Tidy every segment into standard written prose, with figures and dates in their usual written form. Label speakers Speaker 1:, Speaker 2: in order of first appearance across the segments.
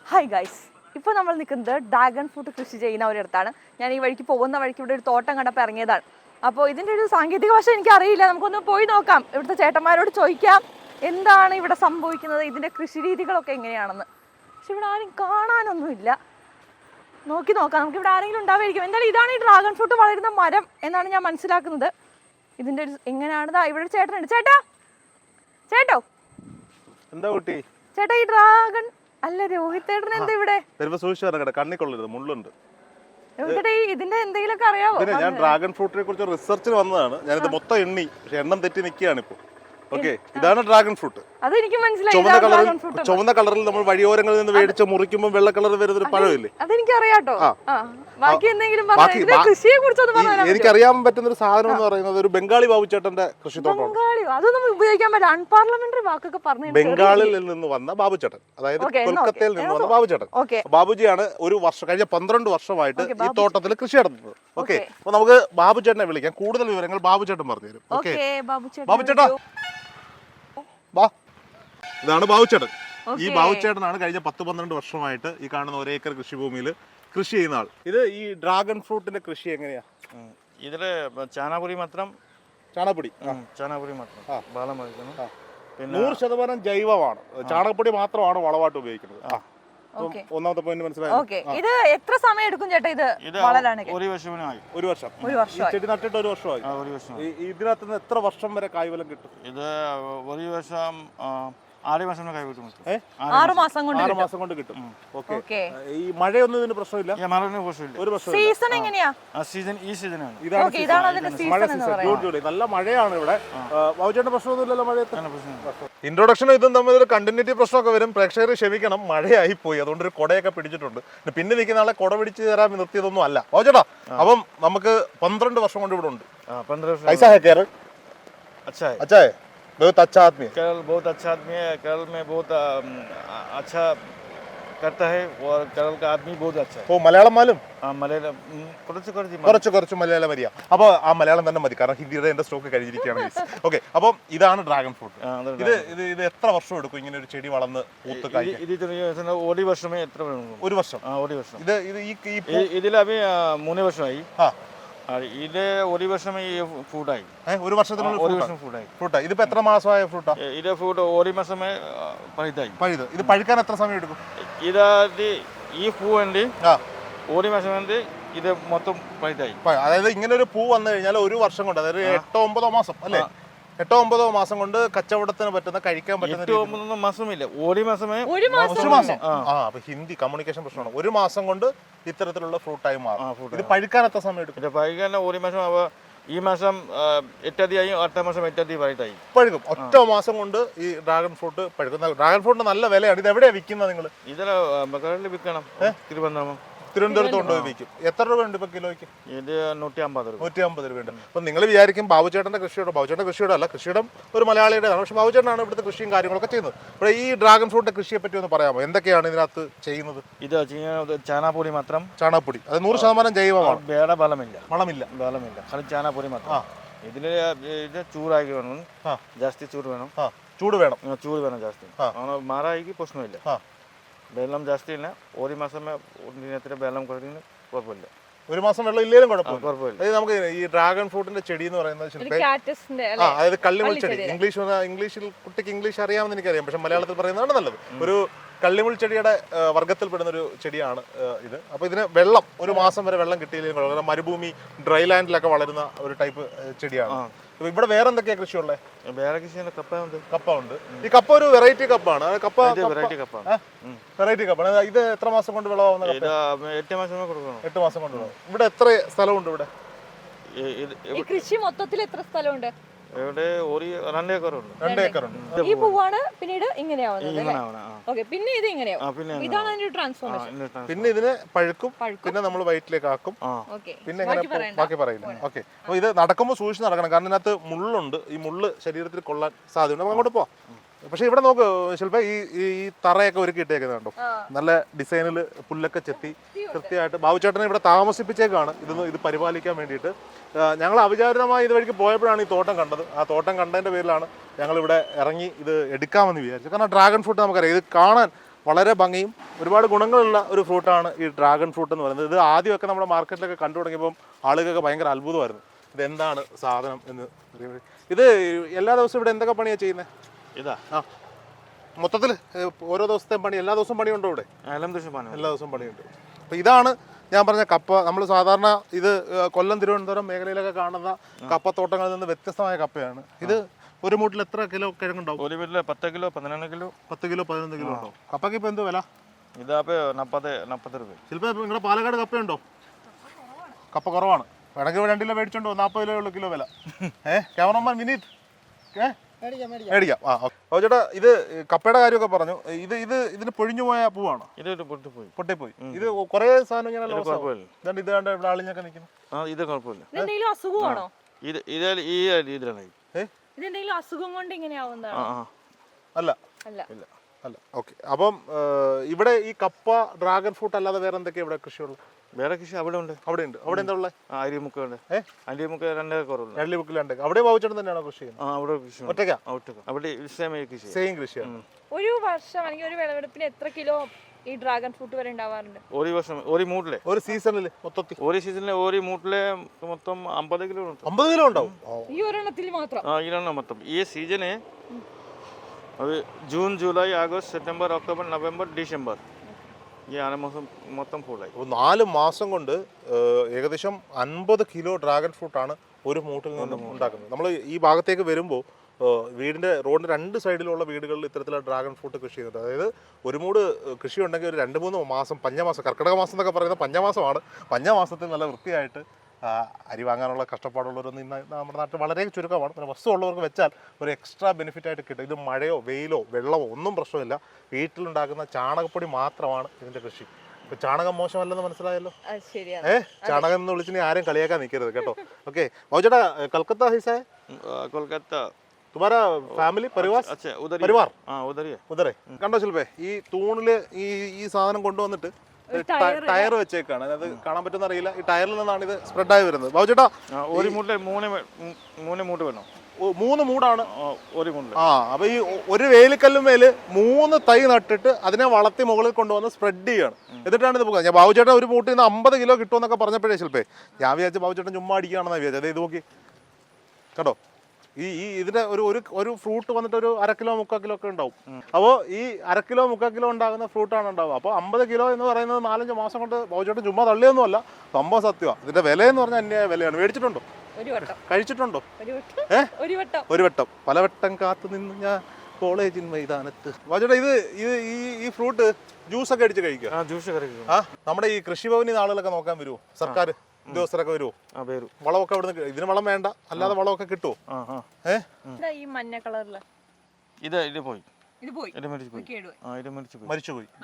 Speaker 1: Hi guys, ഇപ്പോൾ നമ്മൾ നിൽക്കുന്നത് ഡ്രാഗൺ ഫ്രൂട്ട് കൃഷി ചെയ്യുന്ന ഒരിടത്താണ്. ഞാൻ ഈ വഴിക്ക് പോകുന്ന വഴിക്ക് ഇവിടെ ഒരു തോട്ടം കണ്ടപ്പോൾ ഇറങ്ങിയതാണ്. അപ്പോൾ ഇതിൻ്റെ ഒരു സാങ്കേതിക വശം എനിക്കറിയില്ല, നമുക്കൊന്ന് പോയി നോക്കാം. ഇവിടുത്തെ ചേട്ടന്മാരോട് ചോദിക്കാം എന്താണ് ഇവിടെ സംഭവിക്കുന്നത്, ഇതിൻ്റെ കൃഷി രീതികളൊക്കെ എങ്ങനെയാണെന്ന്. പക്ഷെ ഇവിടെ ആരും കാണാനൊന്നുമില്ല. നോക്കി നോക്കാം, നമുക്ക് ഇവിടെ ആരെങ്കിലും ഉണ്ടാവുമായിരിക്കും. എന്തായാലും ഇതാണ് ഈ ഡ്രാഗൺ ഫ്രൂട്ട് വളരുന്ന മരം എന്നാണ് ഞാൻ മനസ്സിലാക്കുന്നത്. ഇതിൻ്റെ ഒരു എങ്ങനെയാണെന്നാ ഇവിടെ ചേട്ടനുണ്ട്. ചേട്ടോ
Speaker 2: എന്താ കുട്ടി?
Speaker 1: ചേട്ടാ, ഈ ഡ്രാഗൺ അല്ല രോഹിത് ചേട്ടൻ എന്താ ഇവിടെ?
Speaker 2: കണ്ണിക്കൊള്ളരുത്, മുള്ളുണ്ട്.
Speaker 1: ഇതിന്റെ എന്തെങ്കിലുമൊക്കെ അറിയാവോ?
Speaker 2: ഞാൻ ഡ്രാഗൺ ഫ്രൂട്ടിനെ കുറിച്ച് റിസർച്ചിന് വന്നതാണ്. ഞാനിത് മൊത്തം എണ്ണി, പക്ഷെ എണ്ണം തെറ്റി നിൽക്കുകയാണ് ഇപ്പൊ. ഓക്കെ, ഇതാണ് ഡ്രാഗൺ ഫ്രൂട്ട്.
Speaker 1: അതെനിക്ക് മനസ്സിലായി.
Speaker 2: ചുവന്ന കളറിൽ നമ്മൾ വഴിയോരങ്ങളിൽ നിന്ന് മേടിച്ച് മുറിക്കുമ്പോൾ വെള്ള കളർ വരുന്ന ഒരു പഴമില്ലേ?
Speaker 1: അതെനിക്ക് അറിയാട്ടോ.
Speaker 2: എനിക്കറിയാൻ പറ്റുന്ന ഒരു സാധനം എന്ന് പറയുന്നത് ഒരു ബംഗാളി ബാബുച്ചേട്ടന്റെ കൃഷിത്തോട്ടമാണ്.
Speaker 1: അതൊന്നും ഉപയോഗിക്കാൻ പറ്റില്ല, അൺപാർലമെന്ററി വാക്കൊക്കെ പറഞ്ഞു.
Speaker 2: ബംഗാളിൽ നിന്ന് വന്ന ബാബുച്ചേട്ടൻ, അതായത് കൊൽക്കത്തയിൽ നിന്ന് വന്ന ബാബുച്ചേട്ടൻ. ബാബുജിയാണ് ഒരു വർഷം കഴിഞ്ഞ 12 വർഷമായിട്ട് ഈ തോട്ടത്തിൽ കൃഷി നടത്തുന്നത്. ഓക്കെ, അപ്പൊ നമുക്ക് ബാബുച്ചേട്ടനെ വിളിക്കാം. കൂടുതൽ വിവരങ്ങൾ ബാബുച്ചേട്ടൻ പറഞ്ഞു തരും. ഓക്കെ, ബാബുച്ചേട്ടാ വാ. ഇതാണ് ബാബുച്ചേട്ടൻ. ഈ ബാബുച്ചേട്ടനാണ് കഴിഞ്ഞ 10-12 വർഷമായിട്ട് ഈ കാണുന്ന 1 ഏക്കർ കൃഷിഭൂമിയിൽ കൃഷി ചെയ്യുന്ന ആൾ. ഇത് ഈ ഡ്രാഗൺ ഫ്രൂട്ടിന്റെ കൃഷി എങ്ങനെയാ?
Speaker 3: ഇതില് ചാണകപ്പൊടി മാത്രം. ചാണകപ്പൊടി മാത്രം വളം വയ്ക്കുന്നു.
Speaker 2: 100% ജൈവമാണ്. ചാണകപ്പൊടി മാത്രമാണ് വളമായിട്ട് ഉപയോഗിക്കുന്നത്. ഒന്നാമത്തെ പോയിന്റ് മനസ്സിലായി.
Speaker 1: ഇത് എത്ര സമയം എടുക്കും ചേട്ടാ ഇത് വളരാനൊക്കെ?
Speaker 2: ഒരു വർഷം. ചെടി നട്ടിട്ട് ഒരു വർഷമായി. ഇതിനകത്ത് നിന്ന് എത്ര വർഷം വരെ കായ്ഫലം കിട്ടും?
Speaker 3: ഇത് ഒരു വർഷം 6 മാസം കൈ കിട്ടും.
Speaker 1: 6 മാസം
Speaker 2: കൊണ്ട് കിട്ടും. ഓക്കെ, ഈ മഴയൊന്നും ഇതിന് പ്രശ്നമില്ല. ഒരു പ്രശ്നം.
Speaker 1: സീസൺ എങ്ങനെയാ?
Speaker 3: ഈ സീസണാണ്.
Speaker 2: നല്ല മഴയാണ് ഇവിടെ. ബാബുച്ചേട്ടൻ പ്രശ്നമൊന്നുമില്ലല്ലോ മഴയത്ത്? ഇൻട്രൊഡക്ഷനും ഇതും തമ്മിൽ ഒരു കണ്ടിന്യൂറ്റി പ്രശ്നമൊക്കെ വരും. പ്രേക്ഷകർ ക്ഷമിക്കണം, മഴയായി പോയി, അതുകൊണ്ട് ഒരു കുടയൊക്കെ പിടിച്ചിട്ടുണ്ട്. പിന്നെ നിൽക്കുന്ന ആളെ കുട പിടിച്ച് തരാൻ നിർത്തിയതൊന്നും അല്ല ബാബുച്ചേട്ടാ. അപ്പം നമുക്ക് 12 വർഷം കൊണ്ട് ഇവിടെ ഉണ്ട്.
Speaker 3: 15 വർഷം.
Speaker 2: अच्छा है, बहुत अच्छा आदमी है।
Speaker 3: केरल बहुत अच्छा आदमी है। केरल में बहुत अच्छा करता है और केरल का आदमी बहुत अच्छा है.
Speaker 2: ഓ, മലയാളം മാലും?
Speaker 3: മലയാളം
Speaker 2: കുറച്ച് മലയാളം മതിയാ. അപ്പോൾ ആ മലയാളം തന്നെ മതി, കാരണം ഹിന്ദിയുടെ എന്റെ സ്റ്റോക്ക് കഴിഞ്ഞിരിക്കുകയാണ്. ഓക്കെ, അപ്പം ഇതാണ് ഡ്രാഗൺ ഫ്രൂട്ട്. ഇത് എത്ര വർഷം എടുക്കും ഇങ്ങനെ ഒരു ചെടി വളർന്ന് പൂത്ത് കായ്ക്കാൻ?
Speaker 3: ഒരു വർഷമേ എത്ര?
Speaker 2: ഒരു വർഷം.
Speaker 3: ഇതിൽ അഭി 3 വർഷമായി. ഇത് ഒരു വർഷം ഫ്രൂട്ടായി.
Speaker 2: ഒരു വർഷത്തിനുള്ളിൽ ഫ്രൂട്ടായി. ഇതിപ്പോ എത്ര മാസമായ ഫ്രൂട്ടാ?
Speaker 3: ഇത് ഫ്രൂട്ട് ഒരു മാസമേ
Speaker 2: പഴുത്. ഇത് പഴുക്കാൻ എത്ര സമയം എടുക്കും?
Speaker 3: ഇത് ഈ പൂ വേണ്ടി ഒരു മാസം വേണ്ടി ഇത് മൊത്തം പഴുതായി.
Speaker 2: അതായത് ഇങ്ങനെ ഒരു പൂ വന്നു കഴിഞ്ഞാൽ ഒരു വർഷം കൊണ്ട്, അതായത് 8-9 മാസം അല്ലേ? 8-9 മാസം കൊണ്ട് കച്ചവടത്തിന് പറ്റുന്ന, കഴിക്കാൻ പറ്റുന്ന.
Speaker 3: 8-9 മാസമില്ല, ഒരു മാസമേ.
Speaker 2: ഒരു മാസം. അപ്പൊ ഹിന്ദി കമ്മ്യൂണിക്കേഷൻ പ്രശ്നമാണ്. ഒരു മാസം കൊണ്ട് ഇത്തരത്തിലുള്ള ഫ്രൂട്ടായി മാറും. ഇത് പഴുക്കാൻ എത്ര സമയം എടുക്കും?
Speaker 3: ഇത് പഴുക്കാൻ ഒരു മാസം. ഈ മാസം 8 തീയതി, അടുത്ത മാസം 8 തീയതി പഴുതായി.
Speaker 2: പഴുക്കും. ഒറ്റ മാസം കൊണ്ട് ഈ ഡ്രാഗൺ ഫ്രൂട്ട് പഴുക്കുന്ന. ഡ്രാഗൺ ഫ്രൂട്ടിന് നല്ല വിലയാണ്. ഇത് എവിടെയാണ് വിൽക്കുന്നത് നിങ്ങൾ?
Speaker 3: ഇതിൽ വിൽക്കണം.
Speaker 2: തിരുവനന്തപുരത്ത് കൊണ്ടുപോയി വിൽക്കും. എത്ര രൂപ ഉണ്ട് ഇപ്പൊ കിലോയ്ക്ക്?
Speaker 3: ഇത് 150
Speaker 2: രൂപയുണ്ട്. അപ്പൊ നിങ്ങൾ വിചാരിക്കും ബാബുച്ചേട്ടന്റെ കൃഷിയോടെ. ബാബുച്ചേട്ടന്റെ കൃഷിയോടെ അല്ല, കൃഷിയിടം ഒരു മലയാളിയുടെതാണ്. പക്ഷെ ബാബുച്ചേട്ടനാണ് ഇവിടുത്തെ കൃഷിയും കാര്യങ്ങളൊക്കെ ചെയ്യുന്നത്. അപ്പോൾ ഈ ഡ്രാഗൺ ഫ്രൂട്ടിന്റെ കൃഷിയെ പറ്റി ഒന്ന് പറയാമോ? എന്തൊക്കെയാണ് ഇതിനകത്ത് ചെയ്യുന്നത്?
Speaker 3: ഇത് ചാണകപ്പൊടി മാത്രം.
Speaker 2: ചാണകപ്പൊടി, അത് 100% ജൈവമാണ്.
Speaker 3: വേറെ വളമില്ല.
Speaker 2: കളി
Speaker 3: ചാണകപ്പൊടി മാത്രം. ഇതില് ഇത് ചൂടാക്കി വേണം. ജാസ്തി ചൂട് വേണം ജാസ്തി. മാറായിക്ക് പ്രശ്നമില്ല. വെള്ളം ജാസ്തി ഇല്ല. ഒരു മാസമേ വെള്ളം കുറഞ്ഞ കുഴപ്പമില്ല.
Speaker 2: ഒരു മാസം വെള്ളം ഇല്ലേലും കുഴപ്പമില്ല. നമുക്ക് ഈ ഡ്രാഗൺ ഫ്രൂട്ടിന്റെ ചെടി എന്ന് പറയുന്നത് അതായത് കള്ളിമുൾ ചെടി. ഇംഗ്ലീഷിൽ കുട്ടിക്ക് ഇംഗ്ലീഷ് അറിയാമെന്ന് എനിക്കറിയാം, പക്ഷെ മലയാളത്തിൽ പറയുന്നതാണ് നല്ലത്. ഒരു കള്ളിമുൾ ചെടിയുടെ വർഗ്ഗത്തിൽപ്പെടുന്ന ഒരു ചെടിയാണ് ഇത്. അപ്പോൾ ഇതിന് വെള്ളം ഒരു മാസം വരെ വെള്ളം കിട്ടിയില്ലെങ്കിൽ, മരുഭൂമി ഡ്രൈ ലാൻഡിലൊക്കെ വളരുന്ന ഒരു ടൈപ്പ് ചെടിയാണ്. ഇവിടെ വേറെ എന്തൊക്കെയാ കൃഷിയുള്ളത്?
Speaker 3: വേറെ കൃഷി
Speaker 2: കപ്പ ഉണ്ട്. ഈ കപ്പ ഒരു വെറൈറ്റി കപ്പാണ്. വെറൈറ്റി കപ്പാണ്. ഇത് എത്ര മാസം കൊണ്ട് വിളവാകുന്ന?
Speaker 3: 8 മാസം കൊടുക്കണം.
Speaker 2: 8 മാസം കൊണ്ട് വിളവ്. ഇവിടെ എത്ര സ്ഥലമുണ്ട്? ഇവിടെ
Speaker 1: കൃഷി മൊത്തത്തിൽ എത്ര സ്ഥലമുണ്ട്?
Speaker 3: ഇവിടെ 2
Speaker 2: ഏക്കറുണ്ട്.
Speaker 1: ഈ പൂവാണ് പിന്നീട് ഇങ്ങനെയാവുന്നത്. പിന്നെ ഇത് ഇങ്ങനെയാവും. ഇതാണ് അതിന്റെ ട്രാൻസ്ഫോർമേഷൻ.
Speaker 2: പിന്നെ ഇതിന് പഴുക്കും, പിന്നെ നമ്മൾ വയറ്റിലേക്ക് ആക്കും, പിന്നെ ബാക്കി പറയില്ല. ഓക്കെ, അപ്പൊ ഇത് നടക്കുമ്പോൾ സൂക്ഷിച്ച് നടക്കണം, കാരണം ഇതിനകത്ത് മുള്ളുണ്ട്. ഈ മുള്ള് ശരീരത്തിൽ കൊള്ളാൻ സാധ്യതയുണ്ട്. നമുക്ക് അങ്ങോട്ട് പോവാം. പക്ഷെ ഇവിടെ നോക്ക് ശില്പ, ഈ തറയൊക്കെ ഒരുക്കി ഇട്ടേക്കുന്നുണ്ടോ? നല്ല ഡിസൈനിൽ പുല്ലൊക്കെ ചെത്തി കൃത്യമായിട്ട്. ബാബുച്ചേട്ടനെ ഇവിടെ താമസിപ്പിച്ചേക്കാണ് ഇത് പരിപാലിക്കാൻ വേണ്ടിയിട്ട്. ഞങ്ങൾ അവിചാരിതമായി ഇതുവഴിക്ക് പോയപ്പോഴാണ് ഈ തോട്ടം കണ്ടത്. ആ തോട്ടം കണ്ടതിൻ്റെ പേരിലാണ് ഞങ്ങളിവിടെ ഇറങ്ങി ഇത് എടുക്കാമെന്ന് വിചാരിച്ചത്. കാരണം ഡ്രാഗൺ ഫ്രൂട്ട് നമുക്കറിയാം, ഇത് കാണാൻ വളരെ ഭംഗിയും ഒരുപാട് ഗുണങ്ങളുള്ള ഒരു ഫ്രൂട്ടാണ് ഈ ഡ്രാഗൺ ഫ്രൂട്ട് എന്ന് പറയുന്നത്. ഇത് ആദ്യമൊക്കെ നമ്മുടെ മാർക്കറ്റിലൊക്കെ കണ്ടു തുടങ്ങിയപ്പം ആളുകൾക്ക് ഭയങ്കര അത്ഭുതമായിരുന്നു, ഇതെന്താണ് സാധനം എന്ന്. ഇത് എല്ലാ ദിവസവും ഇവിടെ എന്തൊക്കെ പണിയാണ് ചെയ്യുന്നത്?
Speaker 3: ഇതാ
Speaker 2: മൊത്തത്തിൽ ഓരോ ദിവസത്തെയും പണി, എല്ലാ ദിവസവും പണിയുണ്ടോ ഇവിടെ? എല്ലാ ദിവസവും പണിയുണ്ട്. അപ്പോൾ ഇതാണ് ഞാൻ പറഞ്ഞ കപ്പ. നമ്മൾ സാധാരണ ഇത് കൊല്ലം, തിരുവനന്തപുരം മേഖലയിലൊക്കെ കാണുന്ന കപ്പത്തോട്ടങ്ങളിൽ നിന്ന് വ്യത്യസ്തമായ കപ്പയാണ്. ഇത് ഒരു മൂട്ടിൽ എത്ര കിലോ കിഴങ്ങുണ്ടാവും?
Speaker 3: ഒരു വീട്ടിൽ 10 കിലോ 11 കിലോ
Speaker 2: 10 കിലോ 11 കിലോ ഉണ്ടാവും. കപ്പയ്ക്ക് ഇപ്പോൾ എന്ത് വില?
Speaker 3: ഇതാപ്പോ 40 രൂപ.
Speaker 2: ചിലപ്പോൾ നിങ്ങളുടെ പാലക്കാട് കപ്പയുണ്ടോ? കപ്പ കുറവാണ്. വേണമെങ്കിൽ 2 കിലോ മേടിച്ചോണ്ടോ, 40 കിലോ ഉള്ള കിലോ വില. ക്യാമറമാൻ വിനീത് മേടിക്കാം. ഓ ചേട്ടാ, ഇത് കപ്പയുടെ കാര്യമൊക്കെ പറഞ്ഞു. ഇതിന് പൊഴിഞ്ഞു പോയ പൂവാണോ?
Speaker 3: ഇത്
Speaker 2: പൊട്ടിപ്പോയി. ഇത് കുറെ സാധനം ഇങ്ങനെ ഇതാണ്ട് ഇത് കണ്ട ഇവിടെ ആളിഞ്ഞൊക്കെ നിൽക്കുന്നു.
Speaker 3: ഇത് കുഴപ്പമില്ല.
Speaker 1: ഇതെന്തെങ്കിലും അസുഖമാണോ?
Speaker 2: ഇതെന്തെങ്കിലും
Speaker 1: അസുഖം കൊണ്ട് ഇങ്ങനെയാവുന്നതാണോ?
Speaker 2: അല്ല. ഓക്കെ. അപ്പം ഇവിടെ ഈ കപ്പ, ഡ്രാഗൺ ഫ്രൂട്ട് അല്ലാതെ വേറെ എന്തൊക്കെയാ ഇവിടെ കൃഷിയുള്ളത്?
Speaker 3: വേറെ കൃഷി അവിടെ ഉണ്ട്.
Speaker 2: അവിടെ എന്താ ഉള്ളത്?
Speaker 3: അരിമുക്ക ഉണ്ട്. അരിമുക്ക 2 കുറവുണ്ട്.
Speaker 2: 2 മുക്കിൽ 2. അവിടെ ബാബുച്ചേട്ടൻ തന്നെയാണോ കൃഷി ചെയ്യുന്നത്?
Speaker 3: അവിടെ കൃഷി
Speaker 2: ഒറ്റയ്ക്കാ?
Speaker 3: അവിടെ സെയിം കൃഷിയാണ്.
Speaker 1: ഒരു വർഷം അല്ലെങ്കിൽ ഒരു വിളവെടുപ്പിന് എത്ര കിലോ ഈ ഡ്രാഗൺ ഫ്രൂട്ട് വരെ ഉണ്ടാവാറുണ്ട്?
Speaker 3: ഒരു വർഷം ഒരു മൂട്ടിലെ
Speaker 2: ഒരു സീസണിൽ മൊത്തത്തിൽ
Speaker 3: ഒരു മൂട്ടിലെ മൊത്തം 50 കിലോ ഉണ്ട്.
Speaker 2: 50 കിലോ ഉണ്ടാവും
Speaker 1: ഈ ഒരെണ്ണത്തിൽ മാത്രം?
Speaker 3: ഇതിലാണ് മൊത്തം. ഈ സീസണ് അത് June, July, August, September, October, November, December ഈ 6 മാസം മൊത്തം ഫുള്ളായി.
Speaker 2: 4 മാസം കൊണ്ട് ഏകദേശം 50 കിലോ ഡ്രാഗൺ ഫ്രൂട്ടാണ് ഒരു മൂട്ടിൽ നിന്നും ഉണ്ടാക്കുന്നത്. നമ്മൾ ഈ ഭാഗത്തേക്ക് വരുമ്പോൾ വീടിൻ്റെ റോഡിൻ്റെ 2 സൈഡിലുള്ള വീടുകളിൽ ഇത്തരത്തിലുള്ള ഡ്രാഗൺ ഫ്രൂട്ട് കൃഷി ചെയ്യുന്നുണ്ട്. അതായത് ഒരു മൂട് കൃഷി ഉണ്ടെങ്കിൽ ഒരു 2-3 മാസം, പഞ്ഞമാസം, കർക്കിടക മാസം എന്നൊക്കെ പറയുന്നത് പഞ്ഞമാസമാണ്. പഞ്ഞമാസത്തിൽ നല്ല വൃത്തിയായിട്ട് അരി വാങ്ങാനുള്ള കഷ്ടപ്പാടുള്ളവരൊന്നും ഇന്ന് നമ്മുടെ നാട്ടിൽ വളരെ ചുരുക്കമാണ്. പിന്നെ വസ്തു ഉള്ളവർക്ക് വെച്ചാൽ ഒരു എക്സ്ട്രാ ബെനിഫിറ്റ് ആയിട്ട് കിട്ടും. ഇത് മഴയോ വെയിലോ വെള്ളമോ ഒന്നും പ്രശ്നമില്ല. വീട്ടിലുണ്ടാക്കുന്ന ചാണകപ്പൊടി മാത്രമാണ് ഇതിൻ്റെ കൃഷി. ഇപ്പൊ ചാണകം മോശമല്ലെന്ന് മനസ്സിലായല്ലോ. ചാണകം എന്ന് വിളിച്ചിനി ആരും കളിയാക്കാൻ നിൽക്കരുത് കേട്ടോ. ഓക്കെ ചേട്ടാ, കൽക്കത്ത ഹിസായ
Speaker 3: കൊൽക്കത്ത
Speaker 2: तुम्हारा फैमिली परिवार?
Speaker 3: अच्छा,
Speaker 2: परिवार
Speaker 3: ഉദരേ.
Speaker 2: കണ്ടോ ശില്പേ, ഈ തൂണില് ഈ സാധനം കൊണ്ടുവന്നിട്ട് ടയർ വെച്ചേക്കാണ്. അത് കാണാൻ പറ്റുന്ന അറിയില്ല. ഈ ടയറിൽ നിന്നാണ് ഇത് സ്പ്രെഡായി വരുന്നത്. ബാബു ചേട്ടാ,
Speaker 3: ഒരു മൂട്ടിൽ 3 മൂട്ട് വേണം.
Speaker 2: 3 മൂടാണ്
Speaker 3: ഒരു മൂട്ടിൽ.
Speaker 2: അപ്പൊ ഈ ഒരു വേലിക്കല്ലുമേല് 3 തൈ നട്ടിട്ട് അതിനെ വളർത്തി മുകളിൽ കൊണ്ടുവന്ന് സ്പ്രെഡ് ചെയ്യാണ്. എന്നിട്ടാണ് ഇത് പോകുന്നത്. ഞാൻ ബാബു ചേട്ടാ ഒരു മൂട്ടിൽ നിന്ന് 50 കിലോ കിട്ടുമെന്നൊക്കെ പറഞ്ഞപ്പോഴേ ശില്പേ ഞാൻ വിചാരിച്ച ബാബു ചേട്ടൻ ചുമ്മാ അടിക്കുകയാണെന്നാണ് വിചാരിച്ചത്. അതെ, ഇത് നോക്കി കേട്ടോ. ഇതിന്റെ ഒരു ഫ്രൂട്ട് വന്നിട്ട് ഒരു 1/2 കിലോ 3/4 കിലോ ഒക്കെ ഉണ്ടാവും. അപ്പോൾ ഈ 1/2 കിലോ 3/4 കിലോ ഉണ്ടാകുന്ന ഫ്രൂട്ടാണ് ഉണ്ടാവുക. അപ്പോൾ 50 കിലോ എന്ന് പറയുന്നത് 4-5 മാസം കൊണ്ട് ബൗച്ചോട്ട് ചുമ്മാ തള്ളിയൊന്നുമല്ല, സംഭവം സത്യമാണ്. ഇതിന്റെ വില എന്ന് പറഞ്ഞാൽ അന്യായ വിലയാണ്. മേടിച്ചിട്ടുണ്ടോ? കഴിച്ചിട്ടുണ്ടോ? ഒരു വട്ടം. പലവട്ടം കാത്തു നിന്ന് ഞാൻ കോളേജിൻ മൈതാനത്ത്. ബൗച്ചോട്ടെ, ഈ ഫ്രൂട്ട് ജ്യൂസ് ഒക്കെ അടിച്ച് കഴിക്കുക. നമ്മുടെ ഈ കൃഷിഭവനിൽ നിന്ന് ആളുകളൊക്കെ നോക്കാൻ വരുമോ? സർക്കാർ ഉദ്യോഗസ്ഥരൊക്കെ വരുമോ? വളമൊക്കെ അവിടെ ഇതിന് വളം വേണ്ട, അല്ലാതെ വളമൊക്കെ കിട്ടുമോ?
Speaker 1: ഈ മഞ്ഞ കളറില്
Speaker 2: മരിച്ചുപോയി.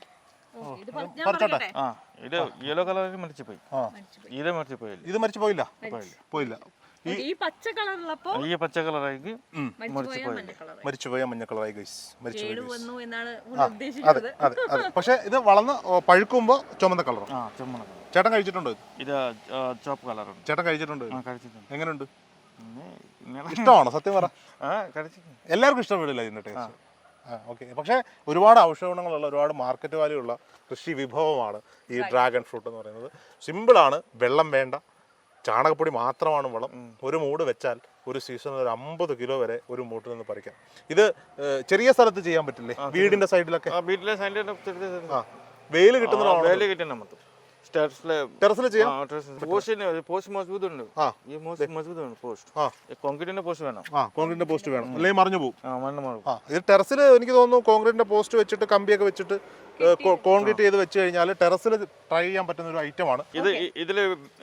Speaker 3: യെല്ലോ കളറിൽ മരിച്ചുപോയി.
Speaker 2: ഇത് മരിച്ചു പോയില്ല.
Speaker 1: ഈ പച്ച കളറുള്ളപ്പോ
Speaker 3: ഈ പച്ച കളറായി
Speaker 2: മരിച്ചുപോയ മഞ്ഞ കളറായി
Speaker 1: ഉദ്ദേശിച്ചത്.
Speaker 2: അതെ. പക്ഷെ ഇത് വളർന്ന് പഴുക്കുമ്പോ ചുമന്ന കളറും. ചേട്ടൻ കഴിച്ചിട്ടുണ്ടോ?
Speaker 3: ഇത് ചോപ്പ് കളറുണ്ട്.
Speaker 2: ചേട്ടൻ കഴിച്ചിട്ടുണ്ടോ? എങ്ങനെയുണ്ട്? ഇഷ്ടമാണോ? സത്യം പറ. എല്ലാവർക്കും ഇഷ്ടപ്പെടില്ല ഇതിന്റെ ടേസ്റ്റ്. ഓക്കെ. പക്ഷേ ഒരുപാട് ഔഷധഗുണങ്ങളുള്ള, ഒരുപാട് മാർക്കറ്റ് വാല്യൂ ഉള്ള കൃഷി വിഭവമാണ് ഈ ഡ്രാഗൺ ഫ്രൂട്ട് എന്ന് പറയുന്നത്. സിമ്പിളാണ്, വെള്ളം വേണ്ട, ചാണകപ്പൊടി മാത്രമാണ് വളം. ഒരു മൂട് വെച്ചാൽ ഒരു സീസണിൽ ഒരു 50 കിലോ വരെ ഒരു മൂട്ടിൽ നിന്ന് പറിക്കാം. ഇത് ചെറിയ സ്ഥലത്ത് ചെയ്യാൻ പറ്റില്ലേ? വീടിന്റെ സൈഡിലൊക്കെ വെയിൽ കിട്ടുന്ന ടെറസിൽ ചെയ്യാം.
Speaker 3: കോൺക്രീറ്റിന്റെ പോസ്റ്റ്
Speaker 2: വേണം, അല്ലെങ്കിൽ മറിഞ്ഞു പോകും. ഇത് ടെറസിൽ എനിക്ക് തോന്നുന്നു കോൺക്രീറ്റിന്റെ പോസ്റ്റ് വെച്ചിട്ട് കമ്പിയൊക്കെ വെച്ചിട്ട് കോൺക്രീറ്റ് ചെയ്ത് വെച്ച് കഴിഞ്ഞാൽ ടെറസിൽ ട്രൈ ചെയ്യാൻ പറ്റുന്ന ഒരു ഐറ്റമാണ്
Speaker 3: ഇത്. ഇതില്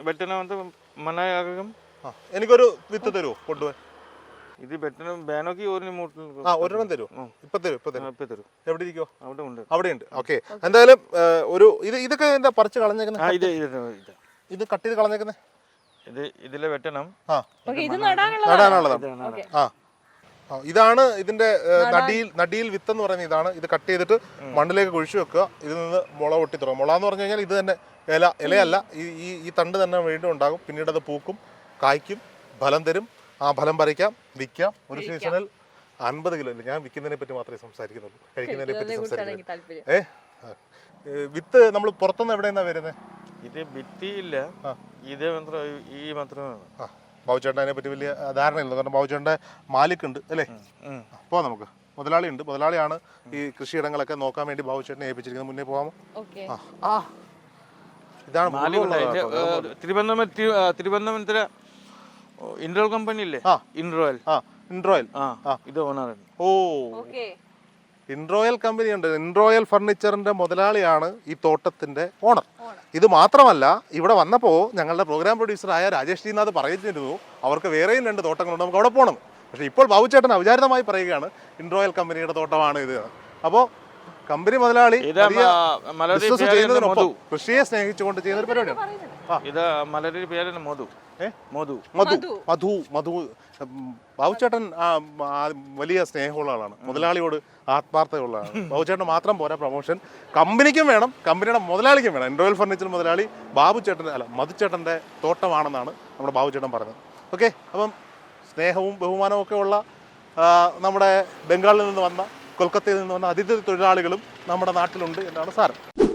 Speaker 2: എനിക്കൊരു വിത്ത് തരുമോ കൊണ്ടുപോയി?
Speaker 3: ഇത് ബാനോക്ക്
Speaker 2: ഒരെണ്ണം തരുമോ? ഇപ്പൊ തരും. എവിടെ ഇരിക്കോ? അവിടെ ഉണ്ട്. ഓക്കെ. എന്തായാലും ഇതൊക്കെ എന്താ പറിച്ച് കളഞ്ഞേക്കുന്നത്? ഇത് കട്ട് ചെയ്ത് കളഞ്ഞേക്കുന്നത്
Speaker 3: ഇതിലെ വെട്ടണം.
Speaker 2: നടാനുള്ളതാണ്. ഇതാണ് ഇതിന്റെ നടിയിൽ വിത്ത് എന്ന് പറയുന്നത്. ഇതാണ്. ഇത് കട്ട് ചെയ്തിട്ട് മണ്ണിലേക്ക് കുഴിച്ചു വെക്കുക. ഇതിൽ നിന്ന് മുള പൊട്ടി തുടങ്ങും. മുള എന്ന് പറഞ്ഞു കഴിഞ്ഞാൽ ഇത് തന്നെ ഇലയല്ല, ഈ തണ്ട് തന്നെ വീണ്ടും ഉണ്ടാകും. പിന്നീട് അത് പൂക്കും, കായ്ക്കും, ഫലം തരും. ആ ഫലം പറിക്കാം, വിൽക്കാം. ഒരു സീസണിൽ 50 കിലോ. ഞാൻ വിൽക്കുന്നതിനെ പറ്റി മാത്രമേ സംസാരിക്കുന്നുള്ളൂ, കഴിക്കുന്നതിനെ പറ്റി സംസാരിക്കുന്നുള്ളൂ. വിത്ത് നമ്മൾ പുറത്തുനിന്ന് എവിടെ നിന്നാണ് വരുന്നത്?
Speaker 3: ഇത് ഭിത്തിയില്ല, ഇത് മാത്രം ഈ മാത്രമേ വേണം.
Speaker 2: ബാബുചേട്ടൻ അതിനെ പറ്റി വലിയ ധാരണയില്ല, കാരണം ബാബുചേട്ടൻ്റെ മാലിക്കുണ്ട് അല്ലേ? അപ്പോൾ നമുക്ക് മുതലാളി ഉണ്ട്, മുതലാളിയാണ് ഈ കൃഷിയിടങ്ങളൊക്കെ നോക്കാൻ വേണ്ടി ബാബുചേട്ടനെ ഏൽപ്പിച്ചിരിക്കുന്നത്. മുന്നേ പോകാമോ? ഇതാണ്
Speaker 3: തിരുവനന്തപുരത്തിലെ ഇൻട്രോൽ കമ്പനി ഇല്ലേ? ഇൻട്രോയൽ ഇത് ഓണർ.
Speaker 2: ഓ, ഇൻട്രോയൽ കമ്പനി ഉണ്ട്. ഇൻട്രോയൽ ഫർണിച്ചറിന്റെ മുതലാളിയാണ് ഈ തോട്ടത്തിന്റെ ഓണർ. ഇത് മാത്രമല്ല, ഇവിടെ വന്നപ്പോൾ ഞങ്ങളുടെ പ്രോഗ്രാം പ്രൊഡ്യൂസറായ രാജേഷ് ജിനാഥ് പറയുന്നിരുന്നു അവർക്ക് വേറെയും 2 തോട്ടങ്ങളുണ്ട്, നമുക്ക് അവിടെ പോകണം. പക്ഷേ ഇപ്പോൾ ബാബുചേട്ടൻ അവിചാരിതമായി പറയുകയാണ് ഇൻട്രോയൽ കമ്പനിയുടെ തോട്ടമാണ് ഇത്. അപ്പോൾ കമ്പനി മുതലാളി ബിസിനസ് ചെയ്യുന്നതിനൊപ്പം കൃഷിയെ സ്നേഹിച്ചുകൊണ്ട് ചെയ്യുന്ന ഒരു പരിപാടിയാണ്.
Speaker 3: ഇത് മലരുടെ പേരാണ് മധു.
Speaker 2: ബാബുചേട്ടൻ വലിയ സ്നേഹമുള്ള ആളാണ്, മുതലാളിയോട് ആത്മാർത്ഥതയുള്ള ആളാണ്. ബാബുചേട്ടൻ മാത്രം പോരാ, പ്രൊമോഷൻ കമ്പനിക്കും വേണം, കമ്പനിയുടെ മുതലാളിക്കും വേണം. ഇൻട്രോയൽ ഫർണിച്ചർ മുതലാളി മധുചേട്ടൻ്റെ തോട്ടമാണെന്നാണ് നമ്മുടെ ബാബുചേട്ടൻ പറഞ്ഞത്. ഓക്കെ, അപ്പം സ്നേഹവും ബഹുമാനവും ഒക്കെ ഉള്ള നമ്മുടെ ബംഗാളിൽ നിന്ന് വന്ന, കൊൽക്കത്തയിൽ നിന്ന് വന്ന അതിഥി തൊഴിലാളികളും നമ്മുടെ നാട്ടിലുണ്ട് എന്നാണ് സാരം.